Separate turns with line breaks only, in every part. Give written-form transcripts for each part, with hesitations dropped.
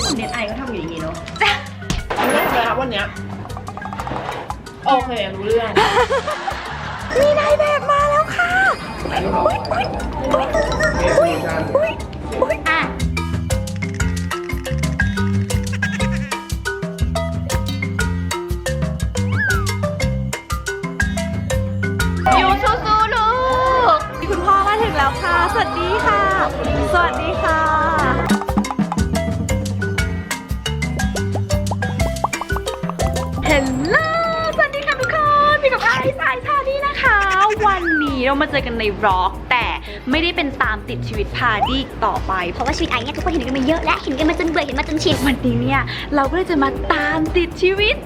เน็ตไอก็ทำอย่างนี้เนาะ
รู้เรื่องเลยครับวันเนี้ยโอเครู้เรื่อง
มีนายแบบมาแล้วค่ะ
อ่ะอยู่สู้ๆลูก
คุณพ่อมาถึงแล้วค่ะสวัสดีค่ะสวัสดีค่ะเฮลโลสวัสดีค่ะทุกคนพี่กับไอซ์สายชาดี้นะคะ วันนี้เรามาเจอกันในบล็อกแต่ไม่ได้เป็นตามติดชีวิตพาดี้ต่อไป
เพราะว่าชีวิตไอ้เนี่ยทุกคนเห็นกันมาเยอะและเห็นกันมาจนเบื่อเห็นมาจนชิน
วันนี้เนี่ยเราก็เลยจะมาตามติดชีวิต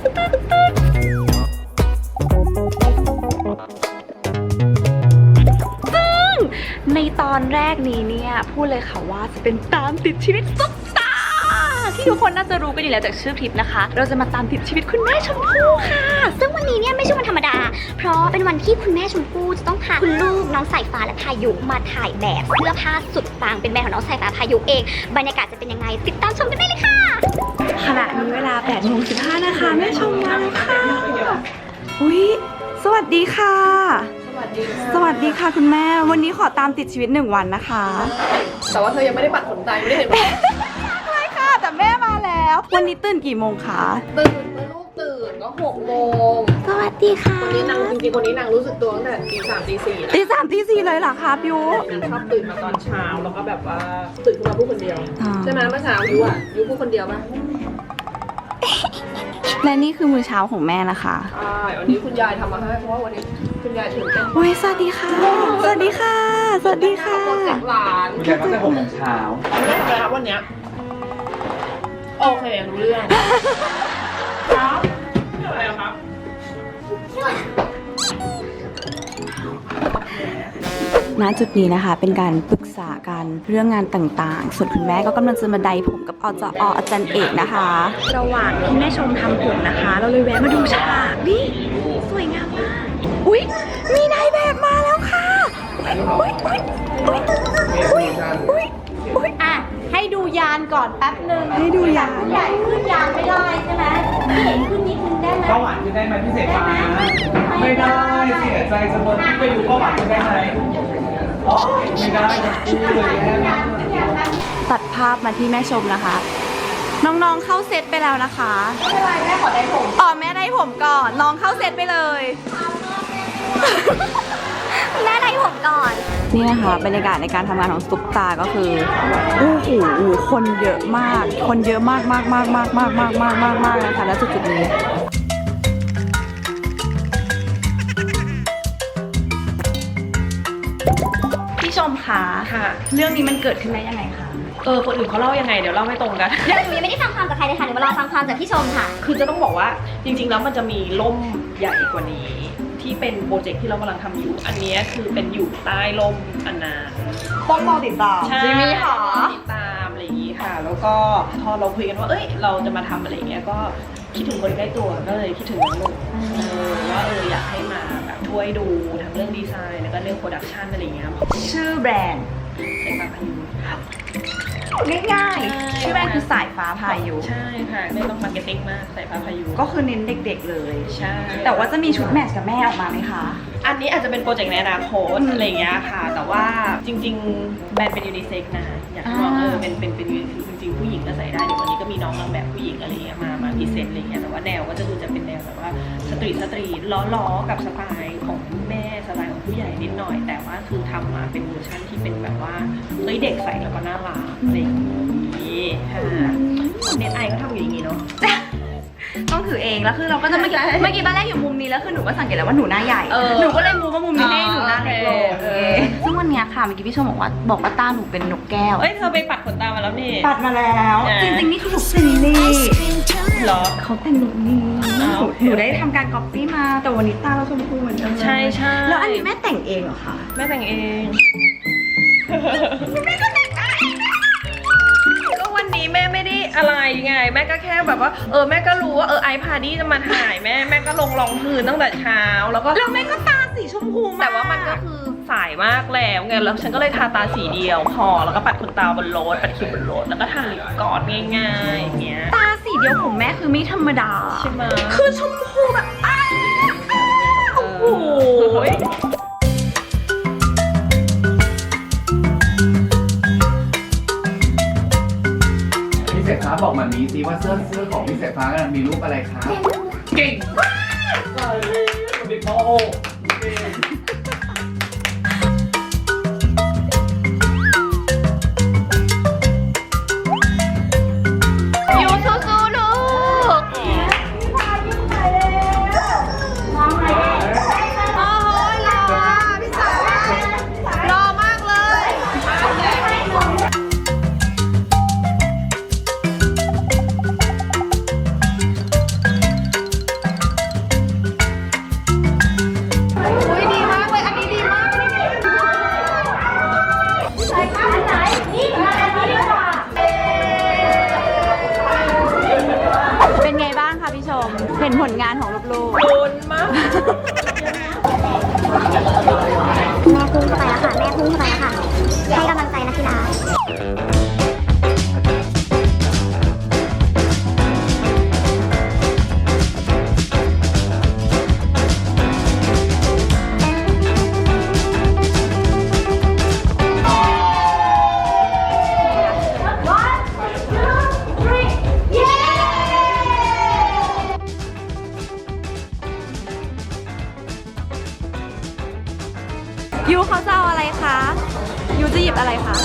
ซึ่งในตอนแรกนี้เนี่ยพูดเลยค่ะว่าจะเป็นตามติดชีวิตซุปตาที่ทุกคนน่าจะรู้กันอยู่แล้วจากชื่อคลิปนะคะเราจะมาตามติดชีวิตคุณแม่ชมพู่ค่ะ
ซึ่งวันนี้เนี่ยไม่ใช่วันธรรมดาเพราะเป็นวันที่คุณแม่ชมพู่จะต้องพาคุณลูกน้องสายฟ้าและพายุมาถ่ายแบบเสื้อผ้าสุดปังเป็นแบรนด์ของน้องสายฟ้าพายุเองบรรยากาศจะเป็นยังไงติดตามชมกันได้เลยค่ะ
ขณะนี้เวลา 8:15 นะคะแม่ชมมาแล้วค่ะอุ๊ยสวัสดีค่ะสวัสดีค่ะคุณแม่วันนี้ขอตามติดชีวิต1 วันนะคะ
แต่ว่าเธอยังไม่ได้ปัดขนตาไม่ได้เห็นไหม
ใช่ค่ะแต่แม่มาแล้ววันนี้ตื่นกี่โมงคะ
ตื่นเมื่อลูกตื่นก็6 โมง
สวัสดีค่ะ
วันนี้นางจริงๆวันนี้นางรู้สึกตัวตั้งแต่ตี 3 ตี 4
ตี 3 ตี 4เลยเหรอคะพี่ยู
นางชอบตื่นมาตอนเช้าแล้วก็แบบว่าตื่นขึ้นมาพูดคนเดียว ใช่ไหมเมื่อเช้ายูพูดคนเดียวป่ะ
และนี่คือมื้อเช้าของแม่นะคะ
ใช่วันนี้คุณยายทำมาให้เพราะว่าวันนี้คุณยายตื่นเต้น
โอ้ยสวัสดีค่ะสวัสดีค่ะสวัสดีค่ะ
โปรเจกต์หลาน
คุณยายตั้งแต่6 โมงเช้า
รู้เรื่องเลยครับวันเนี้ยโอเครู้เรื่องครับอะไรครับ
ณจุดนี้นะคะเป็นการปรึกษากันเรื่องงานต่างๆส่วนคุณแม่ก็กำลังจะมาไดผมกับอาจารย์เอกนะคะระหว่างที่แม่ชมทำผมนะคะ เราเลยแวะมาดูฉากนี่สวยงามมากอุ๊ยมีนายแบบมาแล้วค่ะอุ๊ยอุ๊ยอุ๊ยอุ๊ยอุ๊ยอุ๊ย
อ่ะให้ดูยานก่อนแป๊บนึง
ให้ดูยาน
ใหญ่ขึ้นยานไม่ได้ใช่ไหมพี่เห็นขึ้นนิดนึงได้ไหม
เป้าหวานขึ้นได้ไหมพี่เสกฟ้าไม่ได้เสียใจเสมอที่ไปดูเป้าหวานขึ้นได้ไหมอ๋อไม่ได้จะพูดเลยแม่
ตัดภาพมาที่แม่ชมนะคะ น้องๆเข้าเซตไปแล้วนะคะไม่เป็นไรแม่ขอได้ผมอ๋อแม่ได้ผมก่อนน้องเข้าเซตไปเลย
แม่ได้ผมก่อน
นี่นะคะบรรยากาศในการทำงานของซุปตาก็คือโอ้โหคนเยอะมากคนเยอะมากมากมากมากมากมากมากมากมากนะคะแล้วจุดๆนี้พี่ชมคะ
ค่ะ
เรื่องนี้มันเกิดขึ้นได้ยังไงคะ
คนอื่นเขาเล่ายังไงเดี๋ยวเล่าไม่ตรงกัน
เดี๋ยวหนูยังไม่ได้ฟังความจากใครเลยค่ะหนูมารอฟังความจากพี่ชมค่ะ
คือจะต้องบอกว่าจริงๆแล้วมันจะมีล่มใหญ่กว่านี้ ที่เป็นโปรเจกต์ที่เรากำลังทำอยู่ อันนี้คือเป็นอยู่ใต้ล่มอันนั้น
ต้องรอติดตาม
ใช่
จิมมี่ค่ะ
ติดตามอะไรอย่างนี้ค่ะ แล้วก็พอเราคุยกันว่าเอ้ยเราจะมาทำอะไรอย่างเงี้ยก็คิดถึงคนใกล้ตัวก็เลยคิดถึงน้องหนุ่มว่าอยากให้มาแบบช่วยดูทั้งเรื่องดีไซน์แล้วก็เรื่องโปรดักชันอะไรอย่างเงี้ย
ชื่อแบรนด์
ใส่ปากพายุ
ง่ายๆชื่อแบรนด์คือสายฟ้าพายุ
ใช่ค่ะไม่ต้องมาร์เก็ตติ้งมากใส่ปากพายุ
ก็คือเน้นเด็กๆเลย
ใช่
แต่ว่าจะมีชุดแมทช์กับแม่ออกมาไหมคะ
อันนี้อาจจะเป็นโปรเจกต์ในอนาคตอะไรอย่างเงี้ยค่ะ แต่ว่าจริงๆแบรนด์เป็นยูนิเซ็กนะอยากให้บอกเป็นจริงๆผู้หญิงก็ใส่ได้เดี๋ยววันนี้ก็มีน้องนางแบบผู้หญิงอะไรเงี้ยมาพรีเซนต์อะไรเงี้ยแต่ว่าแนวก็จะคือจะเป็นแนวแบบว่าสตรีทล้อกับสไตล์ของแม่สไตล์ของผู้ใหญ่นิดหน่อย แต่ว่าคือทำมาเป็นเวอร์ชันที่เป็นแบบว่าเฮ้ยเด็กใส่แล้วก็น่ารักอะไรอย่างงี้ค่ะเน็ตไอก็ทำอย่างงี้เนาะ
ต้องถือเองแล้วคือเราก็จะเมื่อกี้ตอนแรกอยู่มุมนี้แล้วคือหนูก็สังเกตแล้วว่าหนูหน้าใหญ่หนูก็เลยมูว่ามุมนี้ให้หนูหน้าเล็กลงซึ่งวันนี้ค่ะเมื่อกี้พี่ชมบอกว่าตาหนูเป็นนกแก้ว
เอ้ยเธอไปปัดขนตามาแล้วนี่
ปัดมาแล้วจริงๆนี่คือหนูเป็นนี่
เหรอ
เขาแต่งหนูนี่หนูได้ทำการก๊อปปี้มาแต่วันนี้ตาเราชมพูเหมือนกัน
ใช่
แล้วอันนี้แม่แต่งเองเหรอคะ
แม่แต่งเองก็วันนี้แม่ไม่ได้อะไรไงแม่ก็แค่แบบว่าแม่ก็รู้ว่าไอพาดี้จะมาถ่ายแม่ก็ลงรองพื้นตั้งแต่เช้าแล้วก็
แล้วแม่ก็ตาสีชมพูมาก
แต่ว่ามันก็คือสายมากแล้วไงแล้วฉันก็เลยทาตาสีเดียวพอแล้วก็ปัดขนตาบนรถปัดคิ้วบนรถแล้วก็ทาลิปกอดง่ายๆอย่างเงี้ย
ตาสีเดียวของแม่คือไม่ธรรมดา
ใช่ไหม
คือชมพูแบบโอ้โห
พี่เสกฟ้าบอกมามีสิว่าเสื้อของพี่เสกฟ้ากันมีรูปอะไรครับเก่งมากเลยเด็กพ่อ
ยูสู้ๆลูก รอมากเลย อุ้ยดีมากเลย อันนี้ดีมากเลย
เป็นไงบ้างคะพี่ชม เห็นผลงานของลูก
โดนมาก
แม่พุ่งเข้าไปแล้วค่ะ แม่พุ่งเข้าไปแล้วค่ะ ให้กำลังใจนักกีฬา
ๆยูเขาจะเอาอะไรคะ ยูจะหยิบอะไรคะ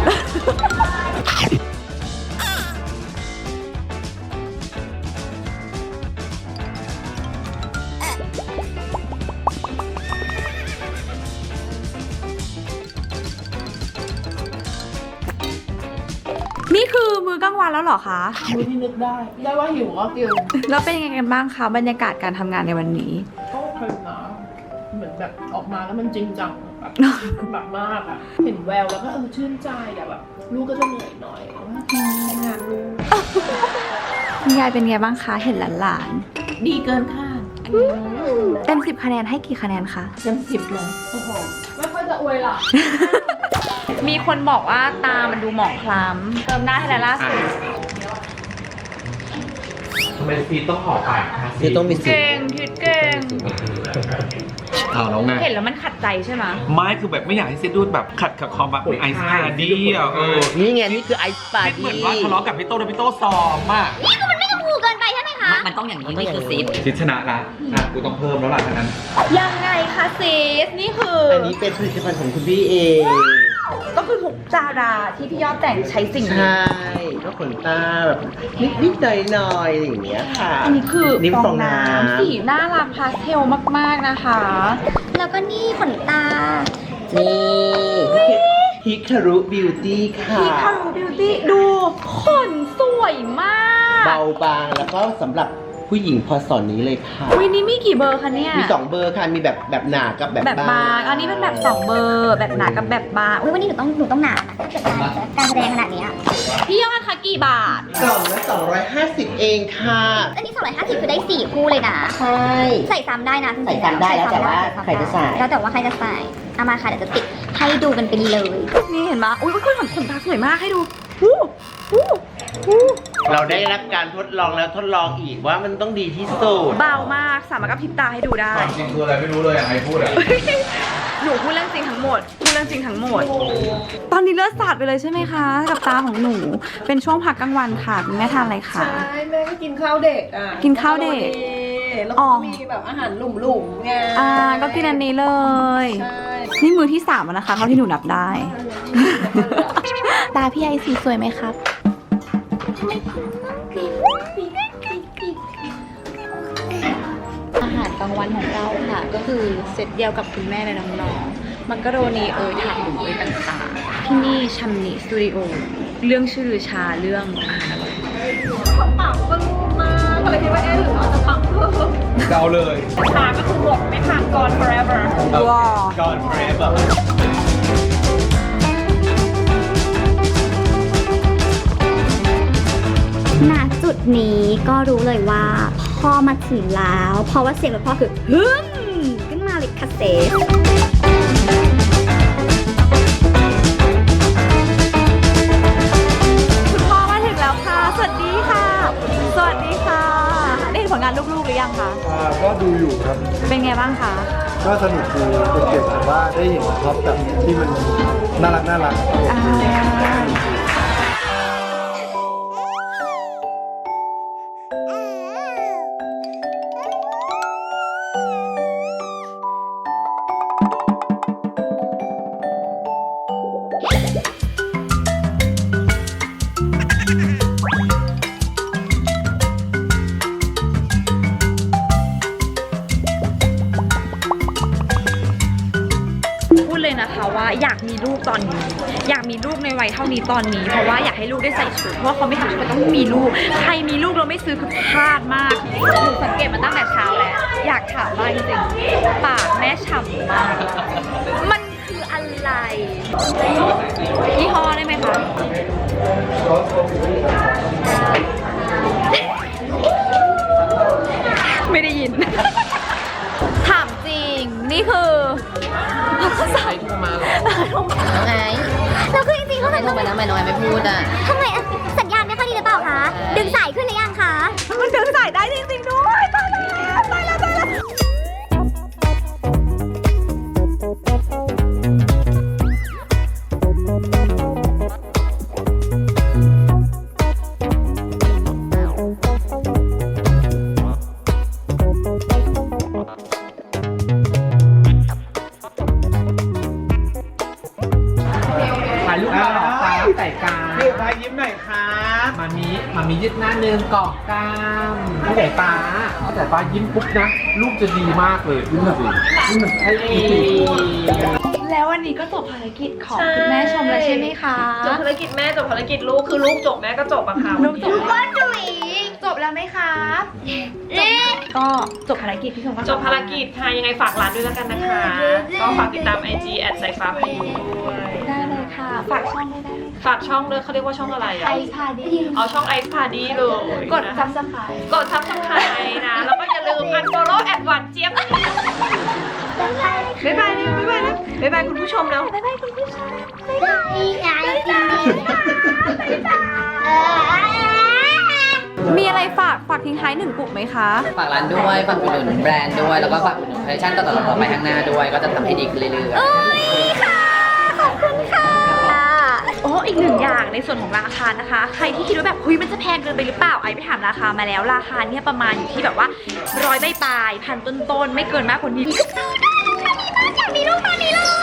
นี่คือมื้อกลางวันแล้วเหรอคะ
มื้อที่นึกได้ว่าหิวก็กิน
แล้วเป็นยังไงกันบ้างคะบรรยากาศการทำงานในวันนี้
ก็โอเคนะเหมือนแบบออกมาแล้วมันจริงจังแบบแบบมากอะเห็นแววแล้วก็ชื่นใจอะแบบลูกก็จะเหนื่อยหน่อยแต่ว่างานลูก
คุณยายเป็นไงบ้างคะ เห็นหลาน
ดีเกินคาด
ๆเต็ม10 คะแนนให้กี่คะแนนคะ
เต็ม10เลยโอ้โหไม่ค่อยจะอวยหรอก
มีคนบอกว่าตามันดูหมองคล้ำ เติมหน้าให้แล้วล่าสุด
ทำไมฟีต้องห่อปากคะ
คือต้องมีสิทธิ์
เก่งทิดเก่ง
เอาแล้วไง
เห็นแล้วมันขัดใจใช่ไหม
ไม่คือแบบไม่อยากให้เซดูแบบขัดกับคอมแบบไอซ์พาดี้อ่ะ
นี่ไงนี่คือไอซ์ปา
คิด
ร์
เหมื
ตี้
อนว่าทะเลาะกับพี่โต้แล้วพี่โต้ซ้อมอ่ะ
ถูกเกินไปใช่ไหมคะ
มันต้องอย่างนี้นี่คือซิป
ชิดชนะละกูต้องเพิ่มแล้วล่ะทั้งนั้น
ยังไงคะซีส นี่คือ
อันนี้เป็นผลิตภัณฑ์ของคุณพี่เอง
ก็คือทุกดาราที่พี่ยอดแต่งใช้สิ่ง
ใช
นี้
่ก็ขนตาแบบนิดๆหน่อยๆอย่างเงี้ยค่ะ
อันนี้คือ
นิ้มฟองน้ำ
สีน่ารักพาสเทลมากๆนะคะ
แล้วก็นี่ขนตา
นี่ฮิคารุบิวตี้ค่ะ
พี่คารูบิวตี้ดูขนสวยมาก
เบาบางแล้วก็สำหรับผู้หญิงพอสอนนี้เลยค่ะ
วินี่มีกี่เบอร์คะเนี่ย
มี2เบอร์ค่ะ มีแบบหนากับแบบ
แบบบาง อันนี้เป็นแบบ2เบอร์ แบบหนากับแบบบาง
อุ๊ยวันนี้หนูต้องหนานะถ้าเกิดการแสดงขนาดเนี้ย
พี่ยอดคะกี่บาท
กล่องละ250เองค่ะ
อันนี้250คือได้4คู่เลยนะ
ใช่
ใส่ซ้ำได้นะจริงๆ
ใส่ซ้ำได้แล้วแต่ว่าใครจะใส่
แล้วแต่ว่าใครจะใส่เอามาค่ะเดี๋ยวจะติดให้ดูกันไปเลย
นี่เห็นไหมอุ้ยขนตาสวยมากให้ดูอู้อู้อู้
เราได้รับการทดลองแล้วทดลองอีกว่ามันต้องดีที่สุด
เบามาก สามารถกับพริบตาให้ดูได้
จริงคืออะไรไม่รู้เลยอย่างไรพูดอ่ะ
หนูพูดเรื่องจริงทั้งหมด พูดเรื่องจริงทั้งหมด ตอนนี้เลือดสาดไปเลยใช่ไหมคะ กับตาของหนู เป็นช่วงพักกลางวันค่ะคุณแม่ทานอะไรคะ
ใช่แม่ก็กินข้าวเด็กอ่ะ
กินข้าวเด็ก
แล้ว
อ๋
ก็
อ
มีแบบอาหารหลุ่มๆไง
ก็กินอันนี้เลย
ใช่
นี่มือที่3แล้วนะคะเท่าที่หนูนับได้ ตาพี่ไอซีสวยไหมครับ อาหารกลางวันของเราค่ะ ก็คือเซตเดียวกับคุณแม่และน้องๆมักกะโรนีผักหมูต่างๆ ที่นี่ชัมนีสตูดิโอเรื่องชื่อลือชาเรื่องอาหารอร่อย
ปังปึ้งมากอะไรที่ว่าหรือว่าจะปังเพิ่ม
เดาเลย
ชาก็คือหมดไม่ทานก่อน forever
ว้าว
ก่อนเฟรมแบบ
ณจุดนี้ก็รู้เลยว่าพ่อมาถึงแล้ว เพราะว่าเสียงของพ่อคือฮึมขึ้นมาเลยค่ะเซฟ
ดีค่ะ สวัสดีค่ะ ได้เห็นผลงานลูกๆหรือยังคะ
ก็ดูอยู่ครับ
เป็นไงบ้างคะ
ก็สนุกดีเป็นเก็บแต่ว่าได้เห็นท็อปแบบที่มันน่ารัก
อ่าพูดเลยนะคะว่าอยากมีลูกตอนนี้ อยากมีลูกในวัยเท่านี้ตอนนี้ เพราะว่าอยากให้ลูกได้ใส่ชุดเพราะว่าเขาไม่ทำชุดก็ต้องมีลูก ใครมีลูกเราไม่ซื้อคือพลาดมากหนูสังเกตมาตั้งแต่เช้าแล้วอยากถามมากจริงๆปากแม่ฉ่ำมากมันคืออะไรยี่ห้อได้ไหมคะไม่ได้ยิน ถามจริงนี่คือใครโทรมาหรอน้องไง
เราคือจริงๆเขา
ไม่โทรไปแล้วทำไมน้องไอไม่พูดอ่ะ
ทำไมสัญญาณไม่ค่อยดีหรือเปล่าคะ ดึงสายขึ้นหรือยังคะ
มันดึงสายได้จริงๆด้วยตายแล้วตายแล้วตายแล้ว
ถ่ายรูปมาหรอฟ้าใส่กลาง
พี่พายยิ้มหน่อยครับ
มามียืดหน้าเนืองเกาะกล้ามพี่สายฟ้ายิ้มปุ๊บนะลูกจะดีมากเลยยิ้มแบบยิ้มเหมือนไอ้
แล้ววันนี้ก็จบภารกิจของคุณแม่ชมแล้วใช่ไหมคะ
จบภารกิจแม่จบภารกิจลูกคือลูกจบแม่ก็จบอะค่ะ
ลูกจบก้อนจุ๋ยจบแล้วไหมครับก็จบภารกิจพี่ชมก็
จบภารกิจค่ะยังไงฝากร้านด้วยแล้วกันนะคะ ก็ฝากติดตาม IG สายฟ้าพายุด้วย
ได้เลยค่ะ ฝากช่องด้วยได้ไหม
ฝากช่องด้วยเขาเรียกว่าช่องอะไรอะ
ไอพาดี
เอาช่อง Ice Party เลย
กด
นะ
ซับสไครต์
กด Subscribe นะ แล้วก็อย่าลืม unfollow แอดหวานเจี๊ยบบ๊ายบายนะบ๊ายบายนะบ๊ายบายคุณผู้ชมแล้ว
บ๊ายบายคุณผู้ชมบ๊ายบายยายกินดีค่ะ
มีอะไรฝากทิ้งท้าย1 กลุ่มไหมคะ
ฝากร้านด้วย ฝากอุดหนุนแบรนด์ด้วย แล้วก็ฝากอุดหนุนคอลเลคชั่นต่อๆไปข้างหน้าด้วย ก็จะทำให้ดีขึ้นเรื่อยๆ
ขอบคุณค่ะ
โอ้อีก1 อย่างในส่วนของราคานะคะ ใครที่คิดว่าแบบเฮ้ยมันจะแพงเกินไปหรือเปล่าไอไปถามราคามาแล้วราคาเนี่ยประมาณอยู่ที่แบบว่า100 ใบปลายพันต้นๆไม่เกินมากกว่านี้
อยากมีลูกตอนนี้เลย